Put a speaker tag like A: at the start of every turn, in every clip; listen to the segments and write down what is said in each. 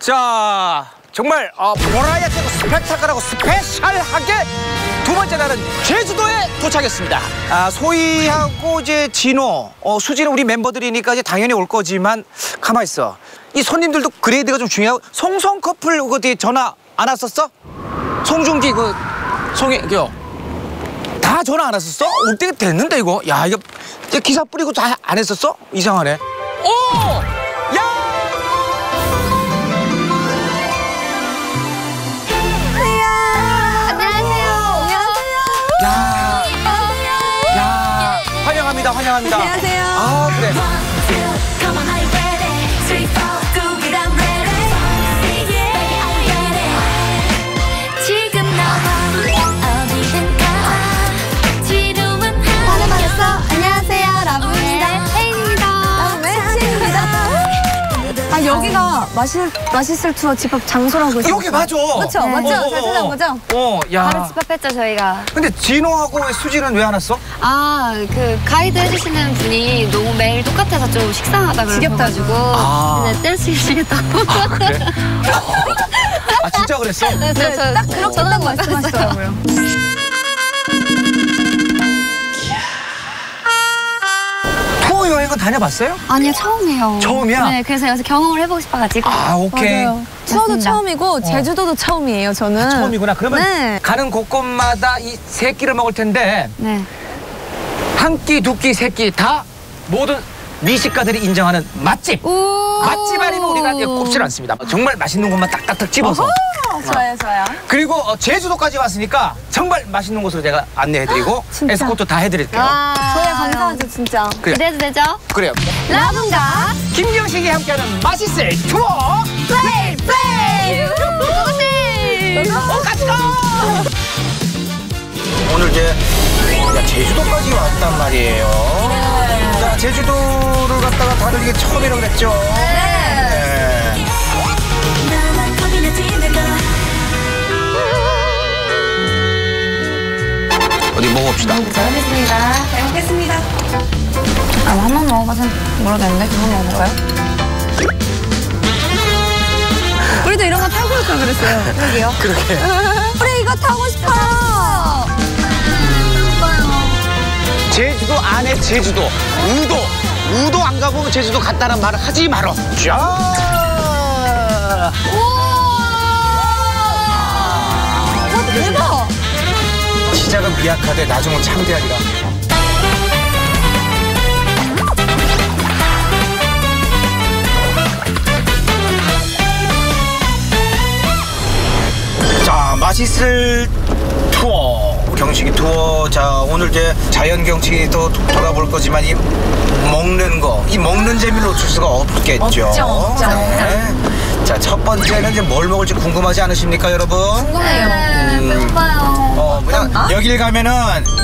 A: 자, 정말 보라야되고 스펙타클하고 스페셜하게 두 번째 날은 제주도에 도착했습니다. 소희하고 이제 진호, 수지는 우리 멤버들이니까 이제 당연히 올 거지만 가만 있어. 이 손님들도 그레이드가 좀 중요하고 송송 커플 어디 전화 안 왔었어? 송중기 다 전화 안 왔었어? 올 때가 됐는데 이거. 야 이거 기사 뿌리고 다 안 했었어? 이상하네. 오! 환영합니다.
B: 안녕하세요.
A: 아, 그래.
B: 안녕하세요. 라붐입니다. 혜인입니다. 혜인입니다. 여기가 맛있을 투어 집합 장소라고 있어요.
A: 여기 맞아.
B: 그렇죠? 맞죠? 잘 찾아온 거죠?
A: 야.
B: 바로 집합했죠, 저희가.
A: 근데 진호하고 수지는 왜 안 왔어?
C: 그 가이드 해주시는 분이 너무 매일 똑같아서 좀 식상하다 그래가지고 근데 떼쓰시겠다고.
A: 아, 그래? 진짜 그랬어?
C: 네,
B: 딱 그렇게 딱 말씀하시더라고요.
A: 투어 여행은 다녀봤어요?
C: 아니요, 처음이에요.
A: 처음이야?
C: 네, 그래서 여기서 경험을 해보고 싶어가지고.
A: 오케이.
B: 맞아요. 투어도 처음이고 제주도도 처음이에요, 저는.
A: 처음이구나. 그러면
B: 네.
A: 가는 곳곳마다 이 세 끼를 먹을 텐데
C: 네.
A: 한 끼, 두 끼, 세 끼 다 모든 미식가들이 인정하는 맛집. 맛집 아니면 우리가 꼽질 않습니다. 정말 맛있는 곳만 딱딱딱 집어서.
B: 좋아요, 좋아요.
A: 그리고 제주도까지 왔으니까 정말 맛있는 곳으로 제가 안내해드리고
B: 진짜?
A: 에스코트 다 해드릴게요.
B: 저희가 감사하죠, 진짜.
A: 그래.
C: 기대도 되죠?
A: 그래요.
B: 라붐과
A: 김경식이 함께하는 맛있을 투어 플레이 플레이. 같이 가. 오늘 이제 제주도까지 왔단 말이에요. 자, 제주도를 갔다가 다들 이게 처음이라고 그랬죠. 네. 어디 먹어봅시다.
C: 잘 먹겠습니다. 잘 먹겠습니다. 한번 먹어봐서 뭐라도 했는데 그만 먹어볼까요?
B: 우리도 이런 거 타고 올 걸 그랬어요. 그러게요.
A: 그렇게.
B: 우리 이거 타고 싶어요.
A: 제주도 안에 제주도. 우도 안 가보면 제주도 갔다는 말을 하지 말어. 자.
B: 대박.
A: 시작은 미약하되 나중은 창대하리라. 자, 맛있을 투어. 경식이 투어. 자, 오늘 이제 자연 경치도 돌아볼 거지만 이 먹는 거, 이 먹는 재미를 놓칠 수가 없겠죠.
B: 없죠.
A: 네. 자, 첫 번째는 이제 뭘 먹을지 궁금하지 않으십니까, 여러분?
B: 궁금해요.
C: 배고파요.
A: 그냥 여길 가면은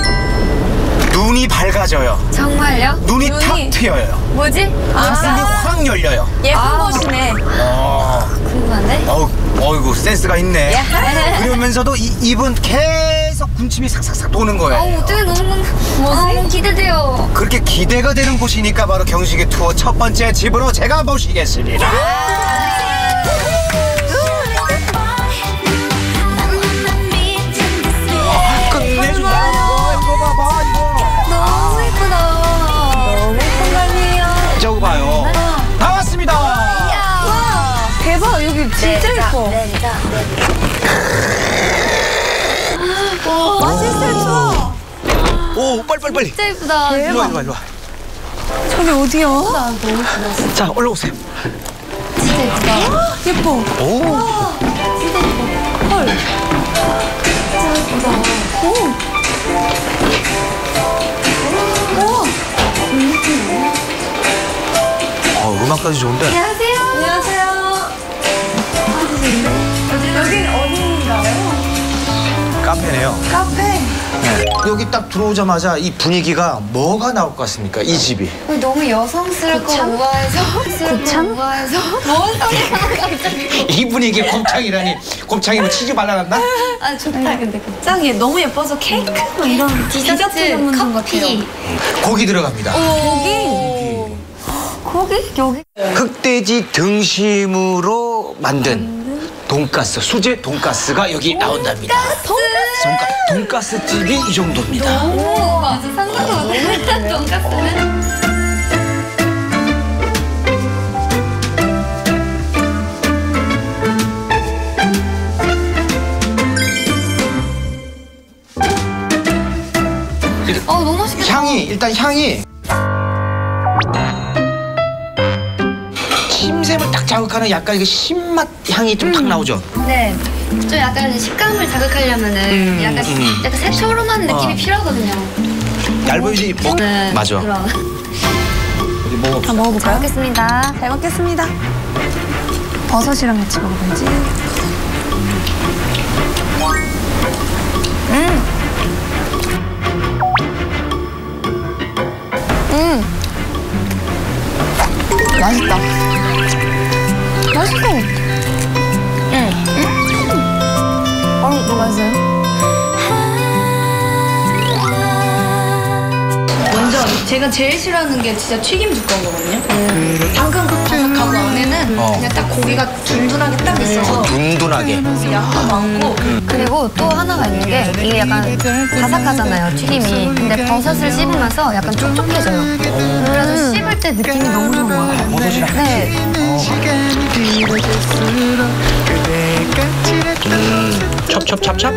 A: 눈이 밝아져요.
C: 정말요?
A: 눈이 탁 트여요.
C: 뭐지?
A: 가슴이 확 열려요.
B: 예쁜 곳이네.
C: 궁금한데?
A: 어이구 센스가 있네. 그러면서도 입은 계속 군침이 삭삭삭 도는 거예요.
C: 어떻게 너무 기대돼요.
A: 그렇게 기대가 되는 곳이니까 바로 경식이 투어 첫 번째 집으로 제가 모시겠습니다. 끝내준다. 이거 봐봐 이거.
C: 너무 예쁘다.
B: 너무 예쁜 거 아니에요?
A: 저거 봐요. 다 왔습니다.
B: 와, 대박. 여기 진짜 예뻐. 맛있을 투어.
A: 오, 빨리.
C: 진짜 예쁘다.
A: 일로 와.
B: 저기 어디야?
C: 너무 예쁘다.
A: 자, 올라오세요.
C: 진짜 예쁘다.
B: 예뻐.
A: 오.
C: 진짜 예뻐.
B: 헐.
C: 진짜 예쁘다.
B: 오.
A: 음악까지 좋은데.
C: 안녕하세요.
B: 안녕하세요. 여긴 어디인가요?
A: 카페네요.
B: 카페.
A: 네. 여기 딱 들어오자마자 이 분위기가 뭐가 나올 것 같습니까? 이 집이.
C: 너무 여성스럽고 우아해서.
B: 곱창?
C: 우아해서. 뭔 소리야 갑자기.
A: 이 분위기에 곱창이라니. 곱창이 뭐 치즈 발라놨나?
C: 좋다 근데.
B: 짱이 너무 예뻐서 케이크 뭐 이런 디저트 전문점
C: 커피.
A: 고기 들어갑니다.
B: 고기?
C: 고기? 여기?
A: 흑돼지 등심으로 버섯으로 만든 돈가스, 수제 돈가스가 여기 나온답니다. 돈가스 집이 이 정도입니다.
C: 오, 맞아. 상상도 못했던 돈가스는. 너무 맛있겠다.
A: 일단 향이 침샘을 딱 자극하는 약간 이게 신맛 향이 좀 탁 나오죠.
C: 네. 좀 약간 식감을 자극하려면은 약간 새초롬한 느낌이 필요하거든요.
A: 얇은지 맞아.
C: 그럼.
A: 우리 먹어.
B: 다 먹어볼까요?
C: 잘 먹겠습니다.
B: 잘 먹겠습니다. 버섯이랑 같이 먹어봐야지. 맛있다. 맛있어. 너무 맛있어요.
D: 먼저 제가 제일 싫어하는 게 진짜 튀김 두꺼운 거거든요. 방금 그 바삭하고 안에는 그냥 딱 고기가 둔둔하게 딱 있어서
A: 둔둔하게.
D: 양도 많고
C: 그리고 또 하나가 있는 게 이게 약간 바삭하잖아요, 튀김이. 근데 버섯을 씹으면서 약간 촉촉해져요. 그래서 씹을 때 느낌이 너무 좋아요.
A: 버섯이랑
C: 네.
A: 찹찹찹찹.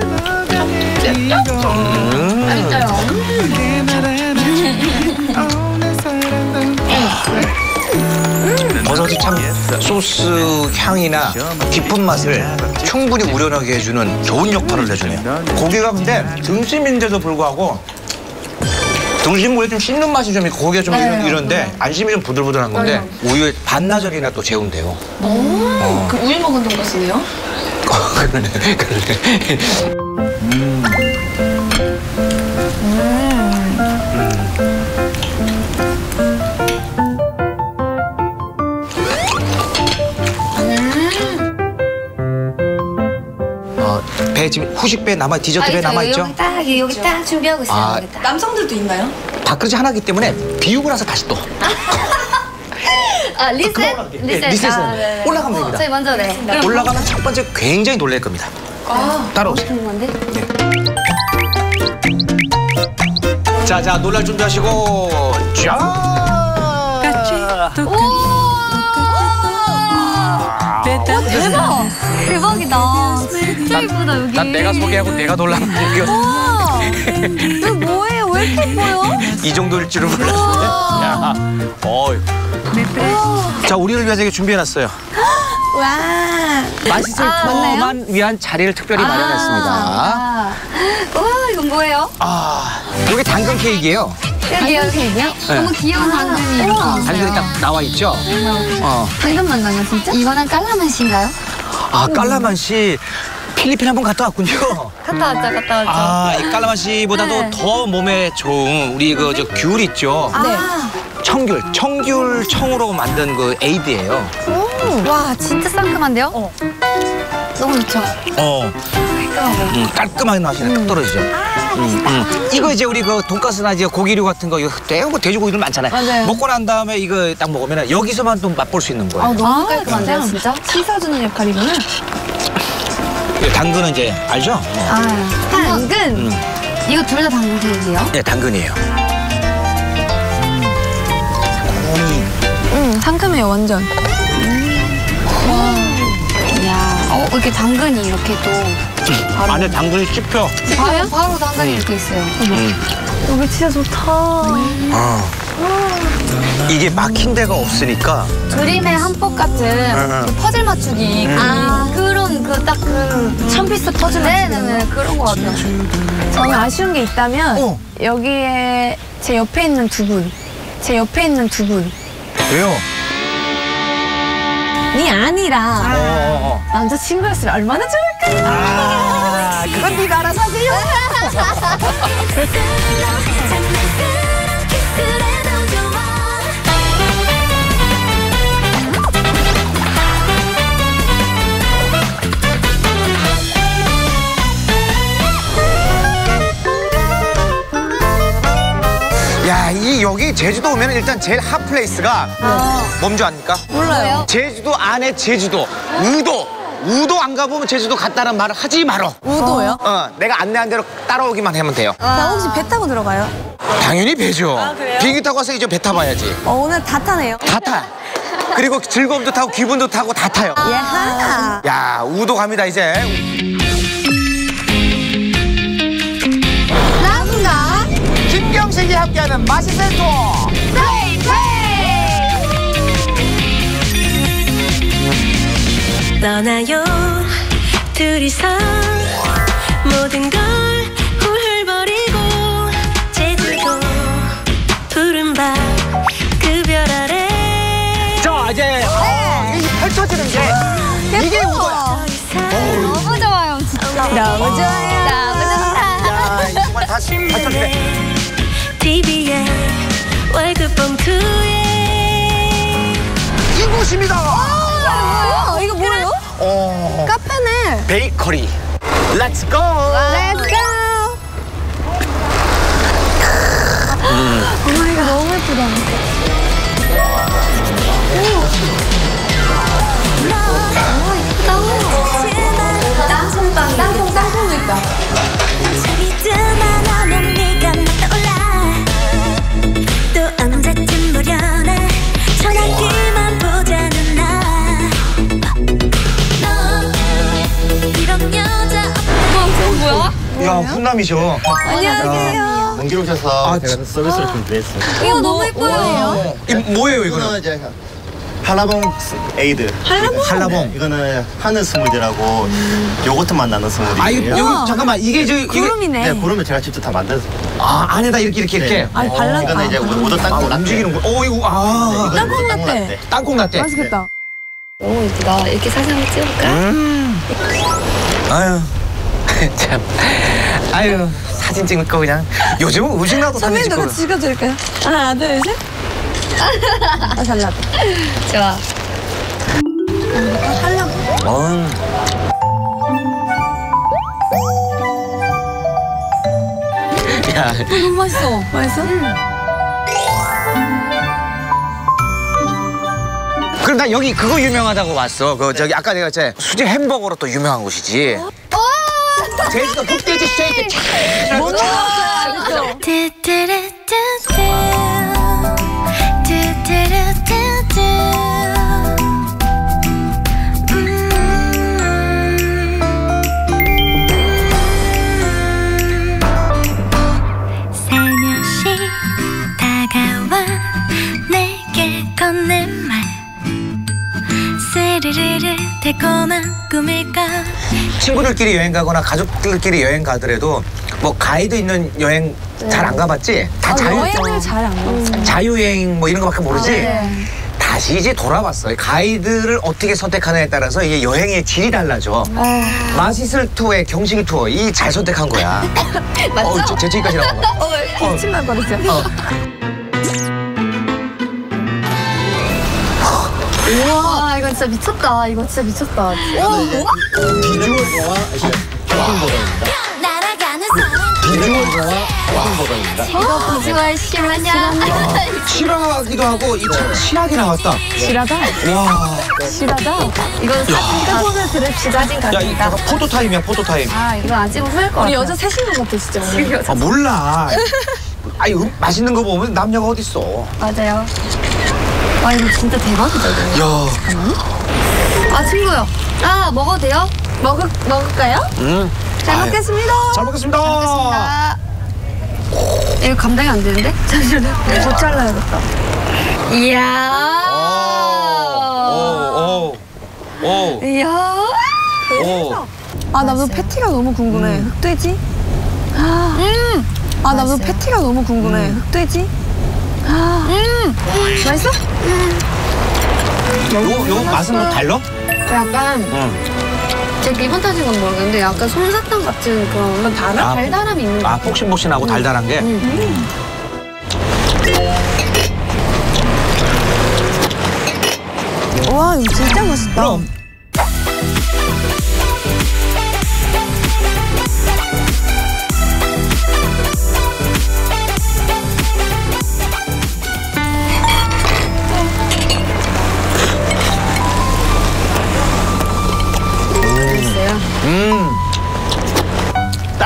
A: 버섯이 참 소스 향이나 깊은 맛을 충분히 우려나게 해주는 좋은 역할을 해주네요. 고기가 근데 등심인데도 불구하고 등심구에 좀 씹는 맛이 좀 있고 고기가 좀 이런데 안심이 좀 부들부들한 건데 우유에 반나절이나 또 재운대요.
D: 그 우유 먹은 돈가스네요.
A: 그러네. 배 지금 후식 배 남아 디저트 배 남아 있죠?
C: 여기 딱 준비하고 있어요. 여기 딱.
D: 남성들도 있나요?
A: 밥그릇이 하나이기 때문에 비우고 나서 다시 또
C: 리셋?
A: 리셋은
C: 네.
A: 올라가면 됩니다.
C: 저희 먼저 네.
A: 올라가면 첫 번째 굉장히 놀랄 겁니다. 따라오세요.
C: 건데?
A: 자, 놀랄 준비하시고 자.
C: 대박! 대박이다. 진짜 예쁘다, 여기.
A: 난 내가 소개하고 내가 놀라는 얘기였어.
B: 이거 뭐예요? 왜 이렇게 예뻐요?
A: 이 정도일 줄은 몰랐네. 자, 우리를 위해서 이게 준비해놨어요.
B: 와.
A: 맛있을 투어만 위한 자리를 특별히 마련했습니다.
C: 와, 이건 뭐예요?
A: 이게 당근 케이크예요.
C: 당근 케이크요? 너무 귀여운 당근이 이렇게 있어요.
A: 당근이 딱 나와 있죠.
C: 당근 만나요, 진짜? 이거는 깔라맛인가요?
A: 깔라만시 필리핀 한번 갔다 왔군요.
C: 갔다 왔죠.
A: 이 깔라만시보다도 더 몸에 좋은 우리 저 귤 있죠.
B: 네.
A: 청귤 청으로 만든 그 에이드예요.
C: 와, 진짜 상큼한데요? 너무 좋죠. 깔끔하고.
A: 깔끔하게 맛이 딱 떨어지죠. 이거 이제 우리 그 돈가스나 이제 고기류 같은 거 이거 돼지고기들 많잖아요.
B: 맞아요.
A: 먹고 난 다음에 이거 딱 먹으면 여기서만 또 맛볼 수 있는 거예요.
C: 너무 깔끔한데요, 진짜?
B: 씻어주는 역할이구나.
A: 당근은 이제 알죠?
C: 당근? 이거 둘 다 당근 케이크예요?
A: 네, 당근이에요.
B: 상큼해요, 완전.
C: 이야, 이렇게 당근이 이렇게 또
A: 안에 당근이 씹혀.
C: 바로 당근이 이렇게 있어요.
B: 여기 진짜 좋다.
A: 이게 막힌 데가 없으니까
C: 그림의 한폭 같은 그 퍼즐 맞추기 그런 그
B: 천피스 퍼즐.
C: 네네네 그런 거 같아요.
B: 저는 아쉬운 게 있다면 여기에 제 옆에 있는 두 분.
A: 왜요?
B: 니 아니라 남자친구였으면 얼마나 좋을까요?
A: 그건 네가 알아서 하세요. 야, 여기 제주도 오면 일단 제일 핫플레이스가 뭔지 압니까?
B: 몰라요.
A: 제주도 안에 제주도, 우도 안 가보면 제주도 갔다는 말을 하지 말어.
B: 우도요?
A: 내가 안내한 대로 따라오기만 하면 돼요.
B: 나 혹시 배 타고 들어가요?
A: 당연히 배죠.
B: 그래요?
A: 비행기 타고 와서 이제 배 타봐야지.
B: 오늘 다 타네요.
A: 다 타. 그리고 즐거움도 타고 기분도 타고 다 타요.
B: 예하.
A: 야, 우도 갑니다 이제.
B: 나군가.
A: 김경식이 함께하는 맛있는 투어.
E: 떠나요 둘이서 모든 걸 훌훌버리고 제주도 푸른 밤 그 별 아래
A: 자, 이제 이 펼쳐지는 게 이게 우도야.
B: 너무 좋아요, 진짜. 너무 좋아요. 너무 좋다.
A: 야, 이 정말 다 펼쳐지네.
E: TV에 월급 봉투에
A: 이곳입니다.
B: 이거 뭐예요? 카페네.
A: 베이커리. Let's go.
B: Let's go. 어머, 이거 너무 예쁘다. 땅콩도 있다.
E: 잠이 드나 너는 네가 막 떠올라 또 언제쯤 보려나 전화기만 보자는 나 이런 여자
B: 뭐야?
A: 야, 훈남이셔.
B: 안녕하세요.
F: 먼 길 오셔서 제가 서비스를 좀 드렸어요.
B: 이거 너무 예뻐요.
A: 이 뭐예요
F: 이거는
A: 이거는?
F: 이제 한라봉 에이드.
A: 한라봉.
F: 이거는 하늘 스무디라고 요거트 맛 나는 스무디예요.
A: 아, 여기 잠깐만 이게 이게
B: 구름이네.
F: 네, 구름을 제가 직접 다 만들었어요.
A: 안에다 이렇게.
B: 아니, 발라.
F: 이거는 이제 우도 땅콩 라떼.
A: 움직이는 거. 이거
B: 땅콩 라떼.
A: 땅콩 라떼.
B: 맛있겠다.
C: 너무 이쁘다. 이렇게 사진을 찍을까?
A: 아유, 참. 아유, 사진 찍을 거 그냥. 요즘은 음식 나도 사진 찍고.
B: 찍어드릴까요? 하나, 둘, 셋. 잘 나왔다.
C: 좋아.
A: 야,
B: 너무 맛있어. 맛있어?
A: 그럼 나 여기 그거 유명하다고 봤어. 저기 아까 내가 제 수제 햄버거로 또 유명한 곳이지. 제주도 북돼지 스테이크.
B: 뭐 넣었어요? 그쵸?
E: 살며시 다가와 내게 건넨 말 스르르르 달콤한 꿈일까
A: 친구들끼리 여행 가거나 가족들끼리 여행 가더라도 뭐 가이드 있는 여행 잘 안 가봤지? 다
B: 여행을 잘 안 가봤어요.
A: 자유여행 뭐 이런 거밖에 모르지? 다시 이제 돌아봤어요. 가이드를 어떻게 선택하느냐에 따라서 이게 여행의 질이 달라져. 맛있을 투어에 경식이 투어 이 잘 선택한 거야. 맞죠? 재채기까지 나온 거.
B: 기침만 거리죠.
C: 우와, 이거 진짜 미쳤다. 이거 진짜 미쳤다.
F: 비주얼과 교통보다입니다.
E: 날아가는 사람
F: 비주얼과 교통보다입니다.
C: 이거 비주얼 실화냐?
A: 실하기도 하고 이 참 실하게 나왔다.
B: 실하다.
A: 와.
B: 실하다.
C: 이건 사진
B: 손을 드립시다. 사진
A: 야, 이 잠깐 포토 타임이야, 포토 타임.
C: 아, 이거 안 찍으면 후회할 것
B: 우리
C: 같아.
B: 여자 셋인 것 같아, 진짜.
A: 몰라. 아니, 맛있는 거 보면 남녀가 어딨어.
C: 맞아요. 와, 이거 진짜 대박이다, 이거.
A: 야.
C: 아, 친구요. 아, 먹어도 돼요?
B: 먹을까요? 잘
A: 아유.
B: 먹겠습니다.
A: 잘 먹겠습니다.
C: 아, 이거 감당이 안 되는데? 잠시만요.
B: 더 잘라야겠다.
C: 이야.
A: 오.
C: 이야.
B: 아, 나도 패티가 너무 궁금해. 흑돼지? 아, 나도 패티가 너무 궁금해. 흑돼지? 맛있어?
A: 요 맛은 뭐 달라?
C: 약간 제 기분 탓인 건 모르겠는데 약간 솜사탕 같은 그런 달달함이 있는 거
A: 아, 폭신폭신하고 달달한 게?
B: 와, 이거 진짜 맛있다.
A: 그럼.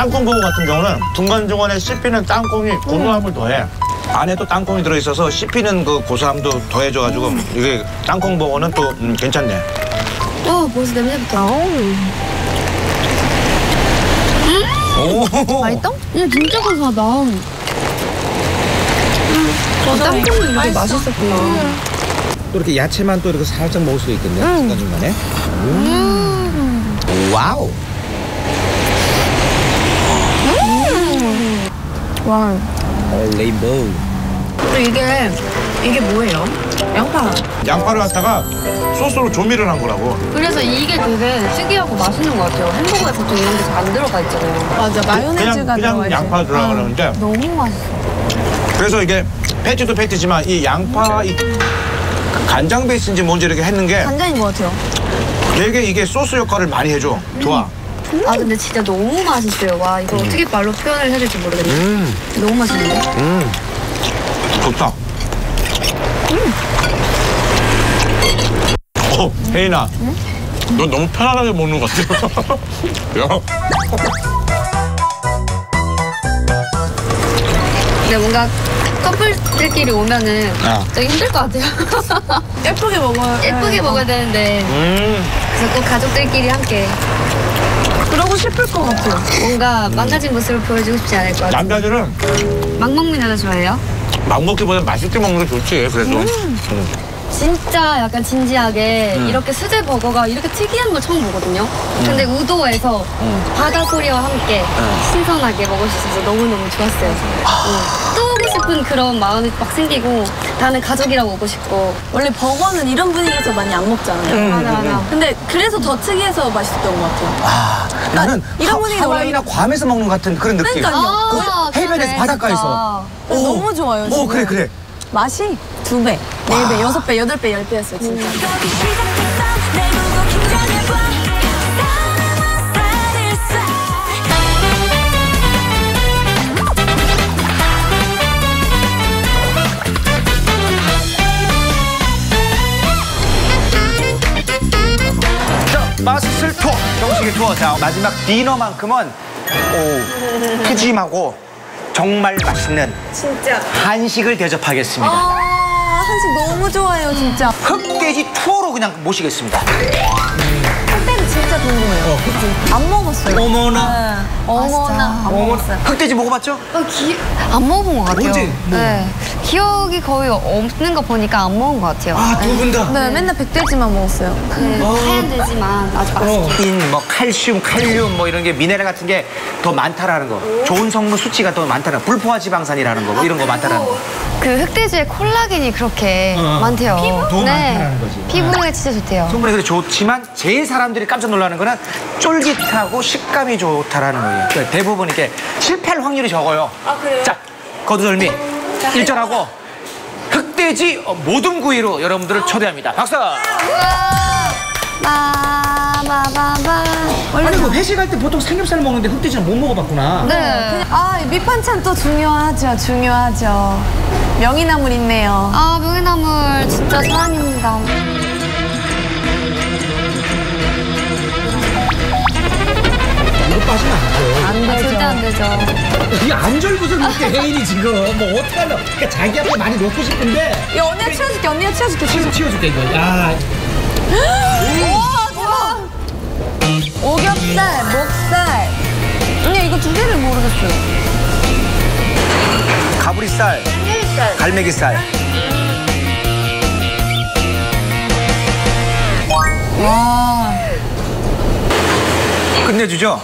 G: 땅콩버거 같은 경우는 중간중간에 씹히는 땅콩이 고소함을 더해. 안에 또 땅콩이 들어있어서 씹히는 그 고소함도 더해줘가지고 이게 땅콩버거는 또 괜찮네.
C: 벌써 냄새부터.
B: 맛있다?
C: 진짜 고소하다.
B: 땅콩이 이렇게 맛있었구나.
A: 또 이렇게 야채만 또 이렇게 살짝 먹을 수도 있겠네. 중간중간에. 와우.
B: 와.
A: 레인보우.
B: 이게 뭐예요? 양파.
G: 양파를 갖다가 소스로 조미를 한 거라고.
C: 그래서 이게 되게 특이하고 맛있는 것 같아요. 햄버거에 보통 이런 게 잘 안 들어가 있잖아요.
B: 맞아, 마요네즈가
G: 그냥 양파 들어가는데
C: 너무 맛있어.
G: 그래서 이게 패티도 패티지만 이 양파 이 간장 베이스인지 뭔지 이렇게 했는 게
B: 간장인 것 같아요.
G: 되게 이게 소스 역할을 많이 해줘. 좋아.
C: 근데 진짜 너무 맛있어요. 와, 이거 어떻게 말로 표현을 해야 될지 모르겠네. 너무 맛있는데?
G: 좋다. 혜인아. 너 너무 편안하게 먹는 것 같아. 야.
C: 근데 뭔가 커플들끼리 오면은 되게 힘들 것 같아요.
B: 예쁘게 먹어요.
C: 예쁘게 먹어야 되는데 그래서 꼭 가족들끼리 함께
B: 그러고 싶을 것 같아요.
C: 뭔가 망가진 모습을 보여주고 싶지 않을 것 같아요.
G: 남자들은
C: 막 먹는 여자 좋아해요?
G: 막 먹기보다 맛있게 먹는 게 좋지. 그래도.
C: 진짜 약간 진지하게 이렇게 수제 버거가 이렇게 특이한 걸 처음 보거든요. 근데 우도에서 바다 소리와 함께 신선하게 먹을 수 있어서 너무너무 좋았어요. 또 오고 싶은 그런 마음이 막 생기고 다음에 가족이랑 오고 싶고.
B: 원래 버거는 이런 분위기에서 많이 안 먹잖아요.
C: 맞아.
B: 근데 그래서 더 특이해서 맛있었던 것 같아요.
A: 나는
B: 이런 분위기
A: 하와이나 괌에서 먹는 것 같은 그런 느낌.
B: 그러니까요.
A: 해변에서 바닷가에서.
B: 너무 좋아요. 지금.
A: 그래.
B: 맛이 2배, 4배, 6배, 8배, 10배였어요, 진짜.
A: 자, 마술 투어. 정식의 투어. 자, 마지막 디너만큼은 푸짐하고 정말 맛있는
B: 진짜.
A: 한식을 대접하겠습니다.
B: 한식 너무 좋아요, 진짜.
A: 흑돼지 투어로 그냥 모시겠습니다.
B: 흑돼지 진짜 궁금해요. 안 먹었어요.
A: 어머나.
B: 어머나. 안 먹었어요.
A: 흑돼지 먹어봤죠?
C: 안 먹어본 것 같아요.
A: 언제?
C: 네. 기억이 거의 없는 거 보니까 안 먹은 것 같아요.
A: 두 분 다.
B: 네, 맨날 백돼지만 먹었어요.
C: 하얀 돼지만 아주 맛있게.
A: 뭐 칼슘, 칼륨 뭐 이런 게 미네랄 같은 게 더 많다라는 거. 좋은 성분 수치가 더 많다는 거. 불포화 지방산이라는 거. 뭐 이런 거 많다라는 거.
C: 그 흑돼지에 콜라겐이 그렇게 많대요.
A: 더 많다라는 거지.
C: 피부에 진짜 좋대요.
A: 성분이 그래 좋지만 제일 사람들이 깜짝 놀라는 거는 쫄깃하고 식감이 좋다라는 거예요. 그러니까 대부분 이렇게 실패할 확률이 적어요.
B: 아, 그래요?
A: 자, 거두절미 1절하고 흑돼지 모둠 구이로 여러분들을 초대합니다. 박수! 아니 그 회식할 때 보통 삼겹살 먹는데 흑돼지는 못 먹어봤구나.
C: 네.
B: 밑반찬 또 중요하죠. 명이나물 있네요.
C: 명이나물 진짜 사랑입니다.
A: 이거 빠지면 안 돼.
C: 절대 안 되죠.
A: 이게 안절부절 이렇게 혜인이 지금 뭐 어떡하려. 그러니까 자기 앞에 많이 놓고 싶은데
B: 야, 언니가 치워줄게.
A: 치워줄게 이거. 야.
B: 오겹살, 목살. 언니 이거 2개를 모르겠어요.
A: 가브리살, 갈매기살.
B: 와.
A: 끝내주죠?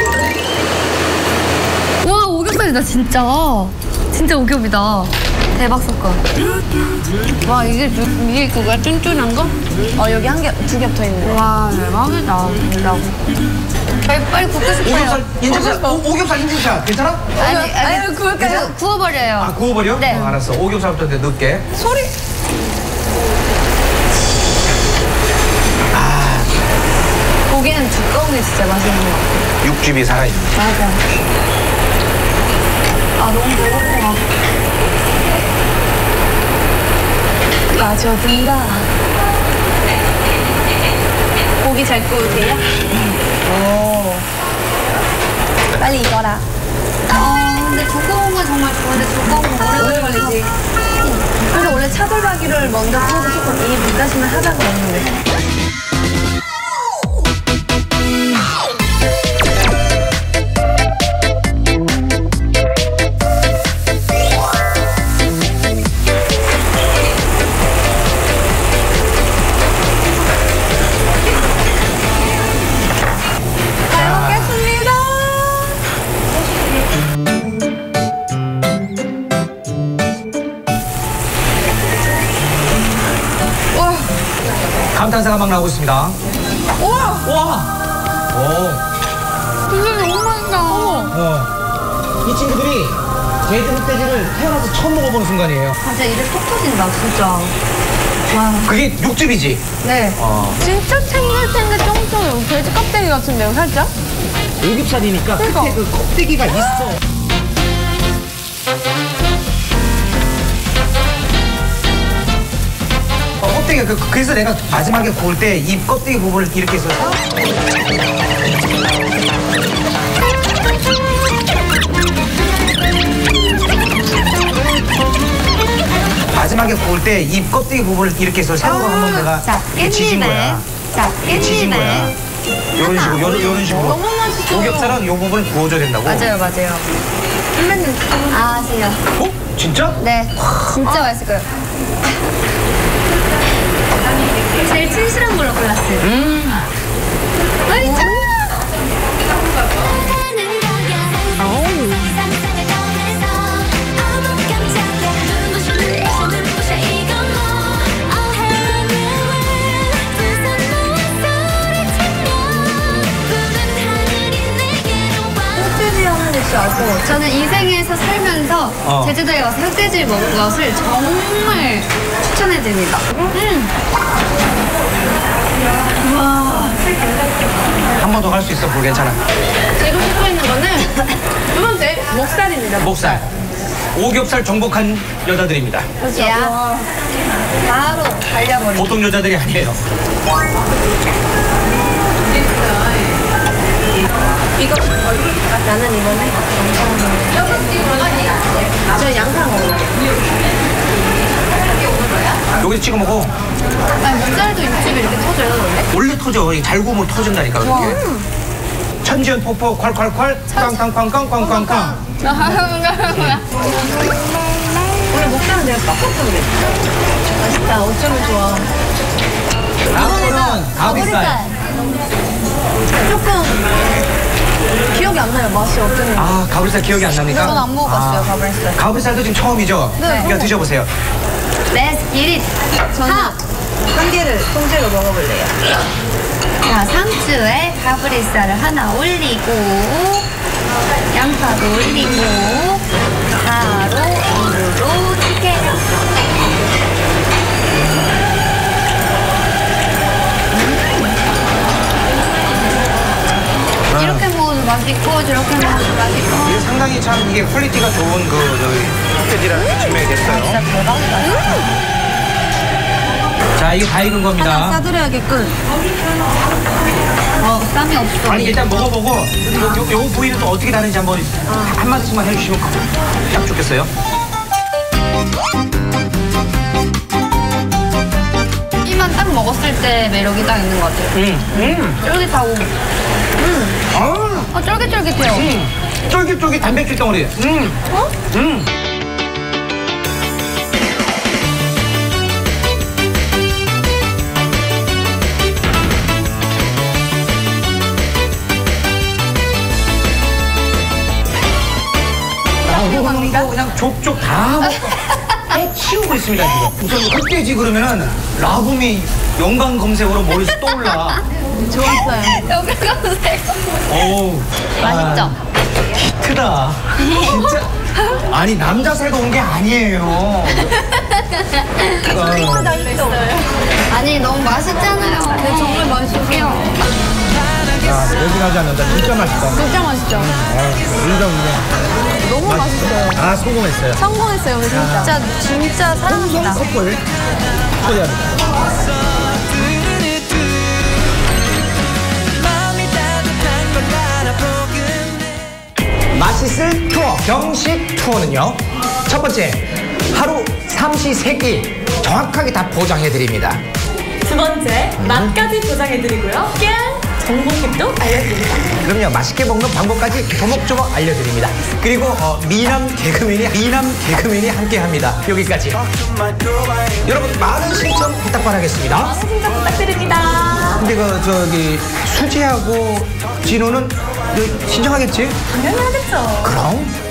C: 와, 오겹살이다, 진짜. 진짜 오겹이다. 대박 사건. 와, 이게 그거야? 쫀쫀한 거?
B: 여기 2개 붙어 있네.
C: 와, 대박이다. 진짜. 빨리 굽고 싶어요.
A: 오겹살 인증샷. 오겹살 인증샷. 괜찮아?
C: 아니,
B: 구울까요?
C: 구워버려요.
A: 구워버려?
C: 네.
A: 알았어. 오겹살부터 이제 넣을게.
B: 소리. 고기는 두꺼운 게 진짜 맛있는 것 같아.
A: 육즙이 살아있는.
B: 맞아. 너무 배고파. 빠져든다. 고기 잘 구울게요. 빨리 익어라.
C: 근데 두꺼운 정말 좋은데 두꺼운 거 오래 걸리지.
B: 그래서 원래 차돌박이를 먼저 구워서 조금 이 물다심을 하다가 먹는데.
A: 감탄사가 막 나오고 있습니다.
B: 우와!
A: 와!
B: 진짜 너무 맛있다.
A: 이 친구들이 제주 흑돼지를 태어나서 처음 먹어보는 순간이에요.
C: 진짜 입에 톡 터진다, 진짜. 와.
A: 그게 육즙이지?
C: 네.
B: 진짜 탱글탱글 쫑쫑해요. 돼지 껍데기 같은데요, 살짝?
A: 오겹살이니까 끝에 그 껍데기가 있어. 껍데기가 그래서 내가 마지막에 구울 때 이 껍데기 부분을 이렇게 해서 마지막에 구울 때 이 껍데기 부분을 이렇게 해서 새우로 한번 내가
C: 자,
A: 이렇게 지진 거야.
C: 자,
A: 이렇게 지진 거야. 요런 식으로, 요런 식으로.
B: 너무 맛있어.
A: 오겹살은 요 부분을 구워줘야 된다고.
C: 맞아요. 선배님, 아세요?
A: 어? 진짜?
C: 네. 진짜 맛있을 거예요. 제일 진실한 걸로 골랐어요. 맛있죠? 저는 이 생에서 살면서 제주도에 와서 흑돼지를 먹은 것을 정말 추천해드립니다.
A: 한 번 더 갈 수 있어, 볼 괜찮아.
B: 지금 씹고 있는 거는 두 번째 목살입니다.
A: 목살. 오겹살 정복한 여자들입니다.
C: 야, 바로 달려버리고.
A: 보통 여자들이 아니에요.
B: 이거 나는 이번에 저 양파 먹을게요.
A: 여기서 찍어 먹어.
B: 아니 목살도 육즙이 이렇게 터져요 원래?
A: 원래 터져. 잘 구우면 터진다니까, 그렇게. 천지연 폭포 콸콸콸 꽝꽝꽝꽝꽝꽝꽝.
B: 원래 목살은 내가 빡빡한데. 맛있다. 어쩌면 좋아.
A: 다음으로는 가브리살.
B: 조금 기억이 안 나요. 맛이 어땠는지.
A: 아, 가브리살 기억이 안 납니까?
B: 저는 안 먹어봤어요. 가브리살.
A: 가브리살도 지금 처음이죠?
B: 네.
A: 그러니까 드셔보세요.
C: Let's get it.
B: 저는 한 개를 통째로 먹어볼래요.
C: 자, 상추에 가브리살을 하나 올리고 양파도 올리고 바로 입으로 튀겨요. 이렇게 먹어도 맛있고 저렇게 먹어도 맛있고.
A: 이게 상당히 참 이게 퀄리티가 좋은 그 저기 흑돼지라는 게 증명이 됐어요.
C: 진짜 대박이다.
A: 자, 이게 다 익은 겁니다.
B: 싸드려야겠군.
C: 땀이 없어.
A: 아니, 일단 먹어보고 요 부위는 또 어떻게 다른지 한번 한마디씩만 해주시면 딱 좋겠어요.
C: 이만 딱 먹었을 때 매력이 딱 있는 것 같아요. 쫄깃하고. 쫄깃쫄깃해요.
A: 쫄깃쫄깃 단백질 덩어리. 이거 그냥 족족 다 먹고 치우고 있습니다 지금. 우선 흑돼지 그러면은 라붐이 연관 검색어로 머릿속 떠올라.
B: 좋았어요.
C: 여기 검색.
A: 어우.
C: 맛있죠?
A: 히트다. 진짜. 아니 남자 새가 온 게 아니에요.
C: 아니 너무 맛있잖아요. 네, 정말 맛있어요.
A: 야, 매진하지 않는다. 진짜 맛있다.
B: 진짜 맛있죠?
A: 인정.
B: 너무 맛있어요.
A: 아, 성공했어요.
B: 성공했어요, 우리 진짜. 진짜 사랑합니다.
A: 커플 초대합니다. 맛있을 투어, 경식 투어는요. 첫 번째, 하루 삼시세끼 정확하게 다 보장해드립니다.
H: 두 번째, 맛까지 보장해드리고요. 깨알 정보팁도 알려드립니다.
A: 그럼요, 맛있게 먹는 방법까지 조목조목 알려드립니다. 그리고 미남 개그맨이 함께합니다. 여기까지. 여러분 많은 신청 부탁 바라겠습니다.
H: 신청 부탁드립니다.
A: 근데 저기 수지하고 진호는 신청하겠지?
H: 당연히 하겠죠.
A: 그럼